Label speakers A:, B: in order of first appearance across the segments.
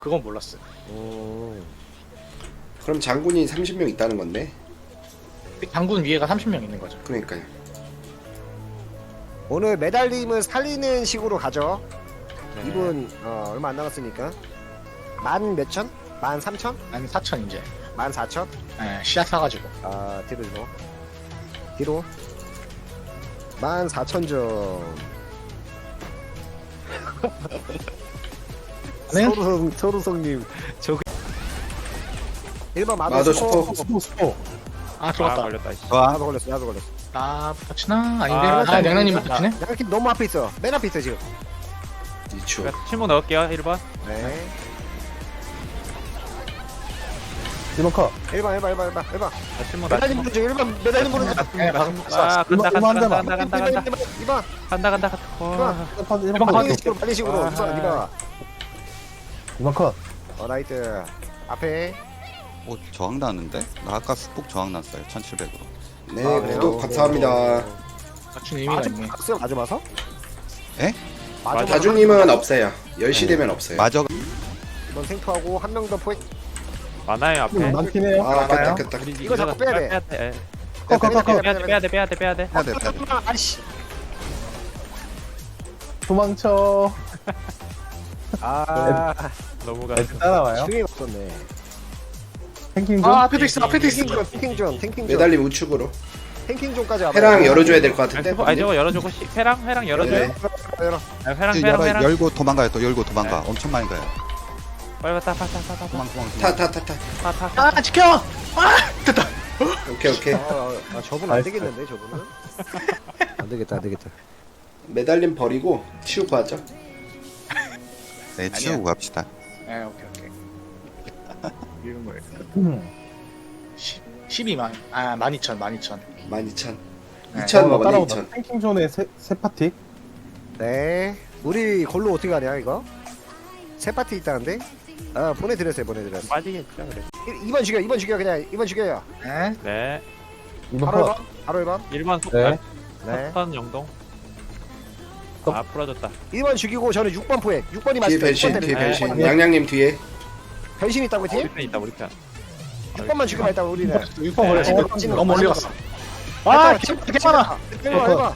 A: 그건 몰랐어요.
B: 그럼 장군이 30명 있다는 건데.
A: 장군 위에가 30명 있는 거죠.
B: 그러니까요.
C: 오늘 매달림을 살리는 식으로 가죠.
D: 네.
C: 이분 얼마 안 남았으니까 만 몇천? 만 삼천?
A: 한 4천 이제.
C: 만 사천?
A: 씨앗 사가지고.
C: 아 뒤로 뒤로 만 사천 점.
A: 네?
C: 서루성님 저 1번
B: 마더
C: 마더
B: 슈퍼.
D: 스포.
A: 아
D: 아
A: 들어갔다.
D: 걸렸다. 씨.
C: 나도 걸렸어 나도 걸렸어.
A: 나 붙이나? 아닌데.
D: 아,
A: 양양님이
D: 나-
A: 붙이네.
C: 양팀 너무 앞에 있어. 맨 앞에 있어 지금.
B: 2초.
D: 제가 침묵 넣을게요. 1번.
C: 네.
E: 1번 컷.
C: 1번.
D: 자, 침묵 나.
C: 매달림 보는 중 1번 매달림 보는 중.
A: 네, 방금
D: 아 간다
E: 이만
D: 간다
E: 대만.
D: 간다 간다 간다
C: 2번.
D: 간다 간다. 와.
E: 1번
A: 컷.
E: 컷.
C: 빨리 식으로 빨리 식으로.
D: 아.
C: 2번.
E: 2번 컷.
C: 나이트. 앞에.
F: 오 저항 나는데? 나 아까 스폭 저항 났어요 1700으로.
B: 네,
C: 아, 그래요?
B: 구독 감사합니다.
A: 맞춘 의미가 있네.
C: 박수 맞아 봐서?
F: 에?
C: 맞아.
B: 다중님은 없어요. 10시 되면 없어요.
F: 마저
C: 이번 생투하고 한 명 더 포획.
D: 많아요 앞에.
E: 많긴해요.
B: 아,
A: 알아요?
B: 깼다.
D: 우리
C: 이거 자꾸 빼야 돼.
D: 예.
E: 컷, 컷, 컷, 컷.
D: 빼야 돼.
F: 해야 돼.
C: 아이씨.
E: 도망쳐.
C: 아.
D: 너무 가.
E: 애들 따라와요.
C: 중이 없었네.
E: 탱킹 좀.
A: 아 앞에도 있어. 앞에도 있어.
C: 탱킹 좀.
B: 매달림 우측으로.
C: 탱킹 좀까지 와봐.
B: 해랑 열어줘야 될 것 같은데.
D: 아니 저거 열어주고 회랑 열어줘요.
B: 네.
C: 열어.
D: 아, 회랑.
F: 열고 도망가요. 또 열고 도망가. 엄청 많이 가요.
D: 빨리 왔다 파타타타.
F: 도망.
B: 타.
A: 아 지켜. 아 됐다.
B: 오케이.
C: 저분 안 되겠는데 저분은. 안 되겠다.
B: 매달림 버리고 치우고 하죠.
F: 네, 치우고 갑시다.
A: 네 오케이. 이런 거예요.
E: 음.
A: 12만. 아 12,000.
B: 12,000.
A: 네.
B: 2,000 먹었네,
E: 따라오다.
B: 2,000.
E: 탱킹 존에 세 파티.
C: 네. 우리 골로 어떻게 가냐 이거? 세 파티 있다는데? 아 보내드렸어요.
D: 빠지겠죠 그래.
C: 2번 죽여 그냥 2번 죽여요.
A: 네.
D: 네.
E: 2번
C: 바로
E: 컷.
C: 1번. 바로 1번.
D: 1번 속.
E: 네.
C: 네.
D: 석선 영동.
E: 또.
D: 아 풀어졌다.
C: 1번 죽이고 저는 6번 포획. 6번이
B: 뒤에
C: 맞을 때
B: 변신,
C: 6번
B: 뒤에
C: 때리네.
B: 변신.
D: 네.
B: 양양님 뒤에.
C: 변신 있다고
D: 우리
C: 팀?
D: 편 있다 우리 편.
C: 6번만 죽이면 일단 우리는.
A: 6번 걸렸어.
C: 네.
A: 너무 멀리 갔어.
C: 아,
A: 아 괜찮아.
C: 1번.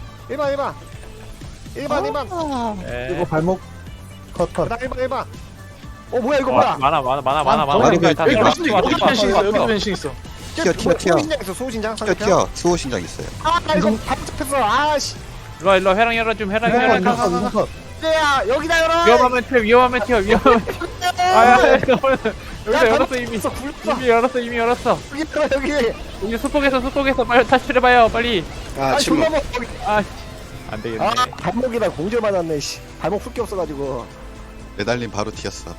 C: 1번.
D: 네.
E: 이거 발목 컷 컷.
C: 그다음 1번. 뭐야 이거 뭐야?
D: 많아.
A: 여기
D: 다
A: 여기
D: 들어와.
A: 변신 있어. 여기도 변신 있어.
F: 튀어.
C: 소신장 있어 소신장.
F: 튀어. 수호 신장 있어요.
C: 나 이거 발 잡혔어. 아씨.
D: 일로 회랑 열어줌. 회랑 열어.
E: 2번 컷.
C: 야 여기다 열어.
D: 위험하면 튀어. 아야 여기서 열었어 이미.
C: 굴렀어.
D: 이미 열었어.
C: 여기 들어 여기.
D: 여기 수폭에서 빨리 탈출해봐요 빨리.
B: 아, 침묵.
C: 존나 여기.
D: 안 되겠네.
C: 아 발목이다 공절 맞았네. 씨. 발목 훑기 없어가지고.
F: 매달림 바로 튀었어.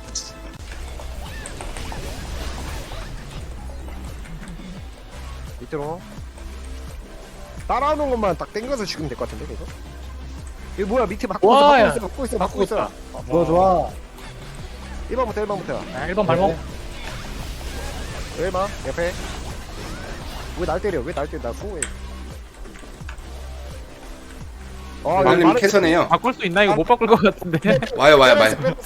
C: 밑으로. 따라오는 것만 딱 땡겨서 죽이면 될 것 같은데 이거. 이거 뭐야 밑에
A: 와, 야.
C: 막고 있어.
E: 좋아.
C: 1번부터.
A: 아, 1번 발목.
C: 1번 옆에. 왜 날 때려? 나 수호해.
B: 매달림 캐서네요.
D: 바꿀 수 있나? 이거 못 바꿀 것 같은데.
B: 와요.
C: 1번.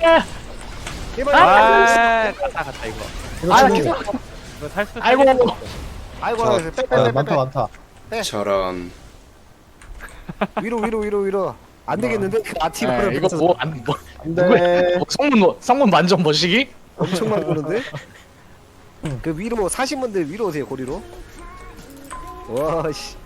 D: 갔다 이거.
E: 이거 치고.
D: 이거 탈수.
A: 아이고.
C: 아이고
F: 저-
E: 아, 많다.
B: 저런.
C: 위로. 안 되겠는데? 아티브로
A: 네, 이거 뭐안 뭐.
E: 안돼.
A: 성문 만점 머시기?
C: 엄청 많이 보는데? 그 위로 사신 분들 위로 오세요 고리로. 와씨.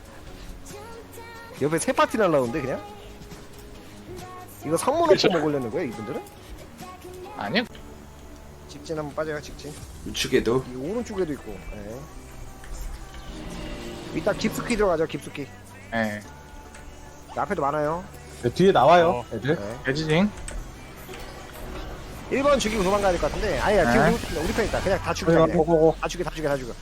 C: 옆에 세 파티 날라오는데 그냥? 이거 성문
A: 그렇죠.
C: 없고 먹으려는 거야 이분들은?
A: 아니요.
C: 직진 한번 빠져요 직진.
B: 우측에도.
C: 이 오른쪽에도 있고. 네. 이따 깊숙이 들어가죠 깊숙이.
A: 예.
C: 앞에도 많아요.
E: 뒤에 나와요. 애들.
C: 네.
A: 배지징.
C: 1번 죽이고 도망가야 될 것 같은데 아니야 지금
A: 네.
C: 우리 편 있다. 그냥 다 죽여.
E: 고고고.
C: 다 죽여.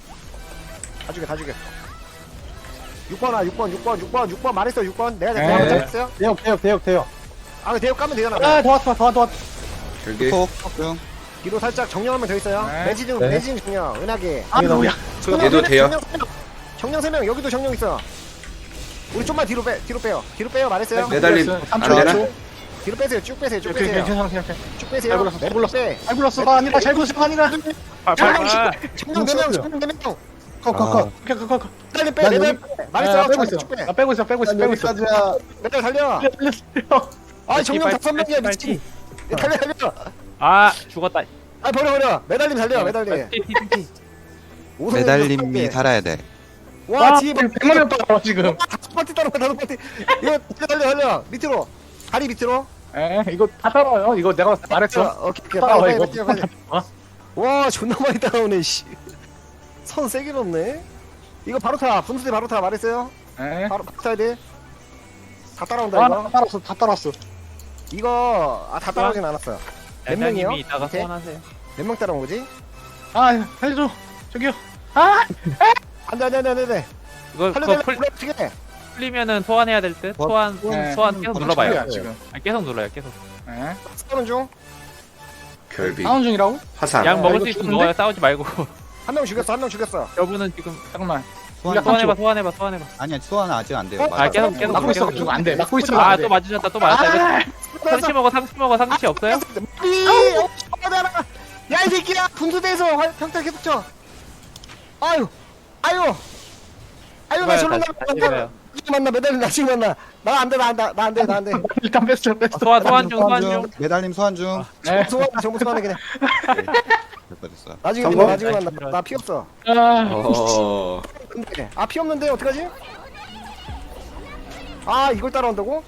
C: 6번 말했어 6번 내가
A: 네.
C: 내가 잘했어요.
E: 대역.
C: 아 대역 까면 되잖아.
E: 아 도왔어.
B: 결계.
F: 스폭. 응.
C: 뒤로 살짝 정령 한명 더 있어요.
A: 네.
C: 매지중
E: 네.
C: 매지중 정령 은하계.
A: 아 뭐야.
B: 얘도 돼요.
C: 정령 3명 여기도 정령 있어. 우리 좀만 뒤로 빼요. 말했어요.
B: 매달림 안 되나?
C: 뒤로 빼세요. 쭉 빼세요. 쭉
A: 오케이,
C: 빼세요.
A: 괜찮아, 괜찮아.
C: 쭉 빼세요.
A: 잘 불렀어, 잘 불렀어.
C: 빼.
A: 잘 불렀어. 아니라 잘 불렀어. 아니라.
C: 청룡
E: 컷, 컷.
A: 그.
C: 매달림 빼.
E: 난
C: 매달
E: 여기-
C: 말했어.
A: 빼고 있어.
C: 쭉 빼.
A: 나 빼고 있어. 빼고 있어. 빼고 있어.
E: 여기까지야.
C: 매달 달려. 아 정령 5명이야 미친. 달려 달려.
D: 아 죽었다.
C: 아 버려. 매달림 달려. 매달림.
D: TTT.
F: 매달림이 살아야 돼.
C: 와 뒤에
A: 100만 원 따라 지금.
C: 다섯 파티 따라 다섯 파티. 이거 달려. 밑으로. 다리 밑으로.
A: 에 이거 다 따라와요. 이거 내가 말했어.
C: 오케이.
A: 따라와
C: 빨리
A: 이거.
C: 빨리. 와 존나 많이 따라오네 씨. 선 세게 넣네. 이거 바로 타. 분수대 바로 타. 말했어요.
A: 에.
C: 바로 타야 돼. 다 따라온다
A: 아,
C: 이거.
A: 다 따라왔어. 다 따라왔어.
C: 이거 다 따라오진 않았어요. 몇 명이요?
D: 대장님이 이따가
C: 밑에?
D: 소환하세요.
C: 몇 명 따라온 거지?
A: 아, 살려줘. 저기요. 아,
C: 안돼.
D: 이거
C: 살려달라.
D: 그거
C: 불러 어떻게?
D: 풀리면은 소환해야 될 듯. 소환
A: 네.
D: 소환 계속 눌러봐요.
A: 충분이야, 지금.
D: 아, 계속 눌러요. 계속.
A: 에.
C: 싸우는 중.
B: 결비.
A: 다운 중이라고?
B: 화산.
D: 약 먹을
A: 이거
D: 수 있으면
A: 죽는데?
D: 먹어요. 싸우지 말고.
C: 한 명 죽였어.
D: 여분은 지금
A: 잠깐만.
F: 소환,
D: 소환해봐.
F: 아니야, 소환 아직 안 돼요.
C: 어?
F: 맞아.
D: 아 계속
A: 막고 있어. 가지고 안 돼. 막고 있으면 안 돼.
D: 아또 맞으셨다. 또 맞았다. 이거 상치 먹어. 상치 없어요?
C: 야이 새끼야 분수대에서 평타 계속 쳐. 아유 나
D: 이거요,
C: 저런
D: 다시 이거요.
C: 만나 매달린 나 지금 만나. 나 안돼.
A: 일단 뺐어.
D: 소환 중.
F: 매달림 소환 중.
A: 네.
C: 정보 소환해 그냥.
F: 됐어.
C: 나중에
E: 성공?
C: 만나. 나 피 없어.
B: 어.
C: 근데 피 없는데 어떡하지? 아 이걸 따라온다고?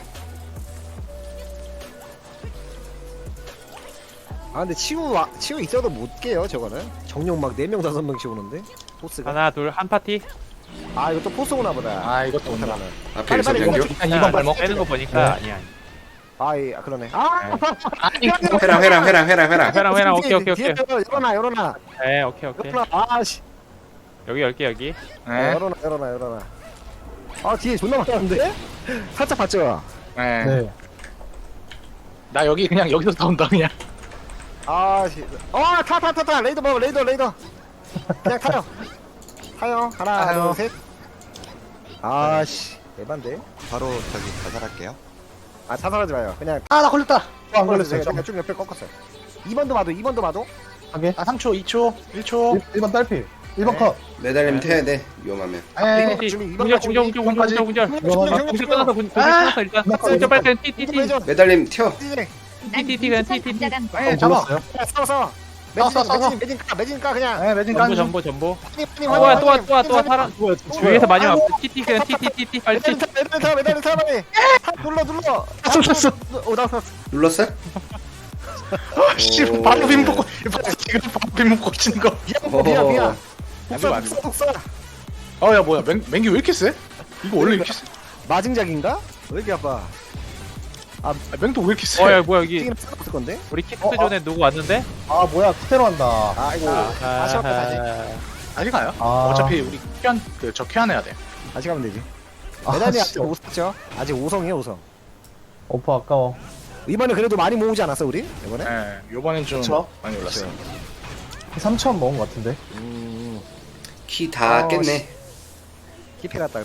C: 아 근데 치우 있어도 못 깨요 저거는. 정령 막 4명 5명씩 오는데 포스가.
D: 하나 둘 한 파티.
C: 아 이거 또 포스 오나 보다.
A: 아, 이것도 온다.
B: 앞에
C: 빨리, 빨리,
B: 일선경교.
A: 일단 2번 발목.
D: 빼는 거 보니까 아니야.
C: 그러네. 아
A: 아니,
B: 회랑.
D: 오케이.
C: 열어놔.
D: 네 오케이.
C: 아씨.
D: 여기 열게 여기.
A: 네.
C: 열어놔. 아 뒤에 존나 많았는데? 살짝 봤죠?
A: 네.
E: 네.
A: 나 여기 그냥 여기서 나온다 그냥.
C: 아씨. 타. 레이더 먹어 레이더. 그냥 타요. 하나
A: 타요.
C: 둘 셋. 아씨. 대반데?
F: 바로 저기 자살할게요.
C: 자살하지 마요. 그냥
A: 아, 나 걸렸다.
E: 안 걸렸어요.
C: 제가 좀 옆에 꺾었어요. 2번도 봐도.
E: 하게.
A: 아, 3초, 2초, 1초.
E: 1번 딸피. 1번
C: 네.
E: 컷.
B: 매달림 태야 돼. 위험하면.
A: 에.
D: 공절. 공절 끝났어. 공절 끝났어 일단.
E: 나
D: 공절 빨리 그냥 TTT.
B: 매달림 튀어.
D: TTT 그냥 TTT.
A: 에, 잡아.
E: 불렀어요.
C: 싸워. 매진 까 그냥.
A: 에, 매진 깐.
D: 전보.
C: 빨리
D: 또 사람. 위에서 많이 왔어. TT 그냥 TTT 빨리.
C: 매달린 타 빨리. 눌러.
A: 쐈어.
C: 나
B: 눌렀어?
A: 씨, 바로 빔 먹고, 지금 바로 빔 먹고 치는 거.
C: 미안.
A: 안 돼.
C: 복사.
A: 야, 뭐야. 맹기 왜 이렇게 세? 이거 원래 이렇게 세?
C: 마징작인가? 왜 이렇게 아파?
A: 아, 맹도 왜 이렇게 세?
D: 야 뭐야 여기
C: 튀기는 없을 건데?
D: 우리 키트 존에 누구 왔는데?
E: 아 뭐야 키테로 한다.
C: 아이고. 다시 할까 다시.
A: 다시 가요?
E: 아.
A: 어차피 우리 저 큐안해야 돼.
C: 다시 가면 되지.
E: 아,
C: 메달이
E: 씨.
C: 아직 5샀죠? 아직 5성이에요 5성.
E: 오퍼 아까워.
C: 이번에 그래도 많이 모으지 않았어 우리? 이번에?
A: 예, 요번엔 좀
E: 그쵸?
A: 많이 올랐어요.
E: 3천 먹은 것 같은데.
B: 키 다 깼네.
C: 깊이 갔다